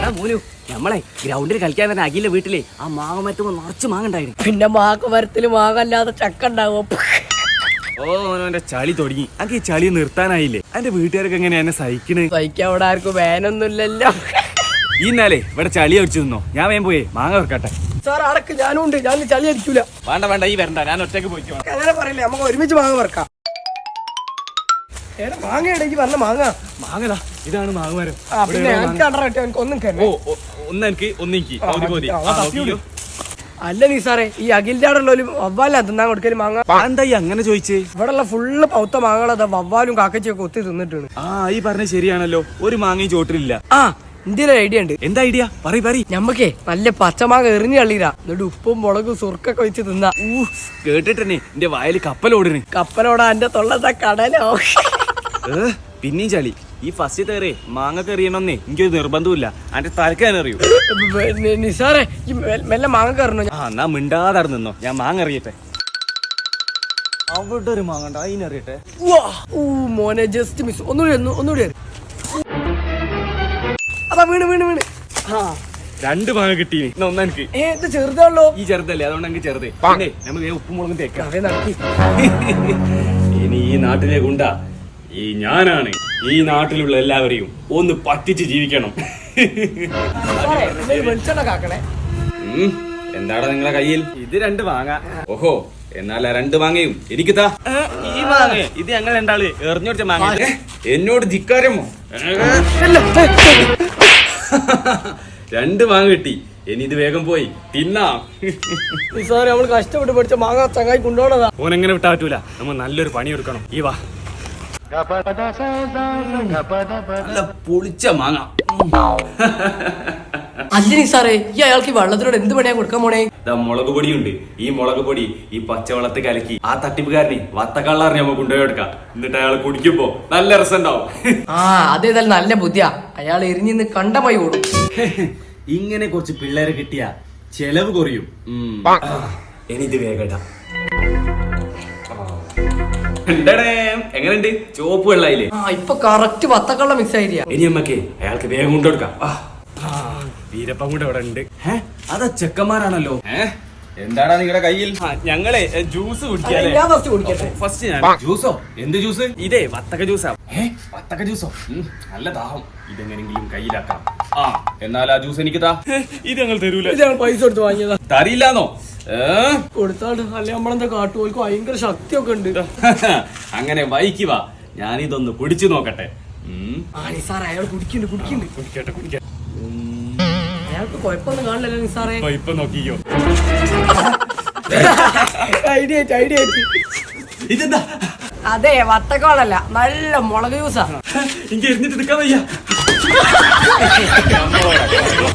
മോനു നമ്മളെ ഗ്രൗണ്ടിൽ കളിക്കാൻ തന്നെ അഖിലിന്റെ വീട്ടിലെ ആ മാങ്ങ മരത്തുമ്പോ നിറച്ച് മാങ്ങ ഉണ്ടായിരുന്നു. പിന്നെ മാങ്ങ മരത്തില് മാങ്ങ അല്ലാതെ ചക്ക ഉണ്ടാവോ? ഓ അവന്റെ ചളി തുടങ്ങി. അനക്ക് ഈ ചളി നിർത്താനായില്ലേ? എന്റെ വീട്ടുകാരൊക്കെ എങ്ങനെയാ എന്നെ സഹിക്കണേ? സഹിക്കാൻ അവിടെ ആർക്കും വേനൊന്നുമില്ലല്ലോ. ഇന്നാലേ ഇവിടെ ചളി അടിച്ചു നിന്നോ, ഞാൻ വേഗം പോയേ മാങ്ങ വെക്കട്ടെ. സാർ അടക്ക്, ഞാനും ഉണ്ട്. ഞാൻ ചളി അടിക്കൂല. വേണ്ട വേണ്ട, ഈ വരണ്ട, ഞാൻ ഒറ്റക്ക് പോയിക്കോ. അങ്ങനെ പറയില്ലേ, നമുക്ക് ഒരുമിച്ച് മാങ്ങ വറക്കാം. മാങ്ങ ഇടയ്ക്ക് പറഞ്ഞ മാങ്ങ മാങ്ങതാ, ഇതാണ് മാങ്ങമരം. പിന്നെ എനിക്ക് ഒന്നും ഓ ഒന്നെനിക്ക് ഒന്നിക്ക് പൗതി പൗതി. അല്ല നീ സാറേ, ഈ അഖിലിന്റെ അവിടെ ഉള്ളൊരു വവ്വാലാ തിന്നാൻ കൊടുക്കല് മാങ്ങ. എന്താ ഈ അങ്ങനെ ചോദിച്ചേ? ഇവിടെ ഉള്ള ഫുള്ള് പൗത്ത മാങ്ങകളതാ വവ്വാലും കാക്കച്ചിയൊക്കെ ഒത്തി തിന്നിട്ടാണ്. ആ ഈ പറഞ്ഞ ശരിയാണല്ലോ, ഒരു മാങ്ങയും ചോട്ടിലില്ല. ആ ഇന്ത്യയിലെ ഐഡിയ ഉണ്ട്. എന്താ ഐഡിയ? പറയ്. ഞമ്മക്കേ നല്ല പച്ചമാങ്ങ എറിഞ്ഞു തള്ളീരാ, എന്നിട്ട് ഉപ്പും മുളകും സുർക്കൊക്കെ വെച്ച് തിന്നാ. കേട്ടിട്ടെന്നെ എന്റെ വായിൽ കപ്പലോടണേ. കപ്പലോടാ എന്റെ തൊള്ളത്തെ കടലോ. പിന്നെയും ചളി. ഈ ഫസ്റ്റ് തേറേ മാങ്ങ എറിയണമെന്നേ എനിക്കൊരു നിർബന്ധമില്ല. അതിന്റെ തലക്കാൻ അറിയൂ. നിസാറേ ഈ മെല്ലെ മാങ്ങ കയറണോ? ആ എന്നാ മിണ്ടാതെ നിന്നോ, ഞാൻ മാങ്ങ എറിയട്ടെ. അവിടെ ഒരു മാങ്ങ ഉണ്ട്, അതിനെറിയട്ടെ. മോനെ ജസ്റ്റ് മിസ്. ഒന്നുകൂടി അതാ വീണ്. ആ രണ്ട് മാങ്ങ കിട്ടി. ഒന്നെനിക്ക്. ഇത് ചെറുതാണല്ലോ. ഈ ചെറുതല്ലേ, അതുകൊണ്ട് എനിക്ക് ചെറുത്. പിന്നെ നമുക്ക് ഉപ്പും മുളകും തേക്കാം. ഇനി ഈ നാട്ടിലേക്ക് ഉണ്ടാ ഈ ഞാനാണ് ഈ നാട്ടിലുള്ള എല്ലാവരെയും ഒന്ന് പറ്റിച്ച് ജീവിക്കണം. എന്താടാ നിങ്ങളെ കയ്യിൽ? ഇത് രണ്ട് മാങ്ങ. ഓഹോ, എന്നാൽ ആ രണ്ട് മാങ്ങയും എനിക്ക് താ. ഈ മാങ്ങ ഇത് ഞങ്ങൾ രണ്ടാള് എറിഞ്ഞോടിച്ച മാങ്ങ. എന്നോട് ധിക്കാരമോ? രണ്ട് മാങ്ങ കിട്ടി. ഇനി ഇത് വേഗം പോയി തിന്നാം. സാറേ നമ്മൾ കഷ്ടപ്പെട്ട് പഠിച്ച മാങ്ങ ചങ്ങായി കൊണ്ടുപോകണതാ. ഓനെങ്ങനെ വിട്ടാ പറ്റൂല, നമ്മൾ നല്ലൊരു പണി എടുക്കണം. ഈ വാ, നല്ല പൊളിച്ച മാങ്ങ. അല്ല സാറേ, ഈ അയാൾക്ക് വെള്ളത്തിനോട് എന്ത് പണിയാ കൊടുക്കാൻ പോണേ? മുളക് പൊടിയുണ്ട്. ഈ മുളക് പൊടി ഈ പച്ചവെള്ളത്തിൽ കലക്കി ആ തട്ടിപ്പുകാരനെ വത്തക്കള്ളറിഞ്ഞ് നമുക്ക് കൊണ്ടുപോയി എടുക്കാം. എന്നിട്ട് അയാൾ കുടിക്കുമ്പോ നല്ല രസമുണ്ടാവും. ആ അതേതായാലും നല്ല ബുദ്ധിയാ. അയാൾ എരിഞ്ഞിന്ന് കണ്ടമായി ഓടും. ഇങ്ങനെ കുറച്ച് പിള്ളേരെ കിട്ടിയ ചെലവ് കുറയും. ഇനി ഇത് വേഗം എങ്ങനെയുണ്ട്? ചോപ്പ് വെള്ളായില്ലേ? ഇപ്പൊ കറക്റ്റ് വത്തക്കള്ള മിക്സ് ആയിരിക്കാ. ഇനി അമ്മക്ക് അയാൾക്ക് വേഗം കൊണ്ടുകൊടുക്കാം. വീരപ്പം കൂടെ ഇവിടെ ഉണ്ട്. അതാ ചെക്കന്മാരാണല്ലോ. എന്താടാ നിങ്ങളുടെ കയ്യിൽ? ഞങ്ങളെ ജ്യൂസ് കുടിക്കാല്ലേ? ഫസ്റ്റ് ഞാൻ ജ്യൂസോ? എന്ത് ജ്യൂസ്? ഇതേ വത്തക്ക ജ്യൂസാ. വത്തക്ക ജ്യൂസോ? നല്ല ദാഹം. ഇതെങ്ങനെങ്കിലും കയ്യിലാക്കാം. ആ എന്നാൽ ആ ജ്യൂസ് എനിക്ക് താ. ഇത് ഞങ്ങൾ തരൂല. പൈസ കൊടുത്ത് വാങ്ങിയതാ. തരില്ലാന്നോ? കൊടുത്താണ്ട് അല്ലെ നമ്മളെന്താ കാട്ടുപോൽക്ക് ഭയങ്കര ശക്തിയൊക്കെ ഉണ്ട്. അങ്ങനെ വൈക്കുക. ഞാനിതൊന്ന് കുടിച്ചു നോക്കട്ടെ. അയാൾ കുടിക്കട്ടെ. അയാൾക്ക് കുഴപ്പമൊന്നും കാണില്ലല്ലോ നിസാറേ. ഇപ്പൊ നോക്കിക്കോ. ഐഡിയ ഇതെന്താ? അതെ വത്തക്കോളല്ല, നല്ല മുളക് ജ്യൂസാ. എനിക്ക് എരിഞ്ഞിട്ട് എടുക്കാൻ വയ്യ.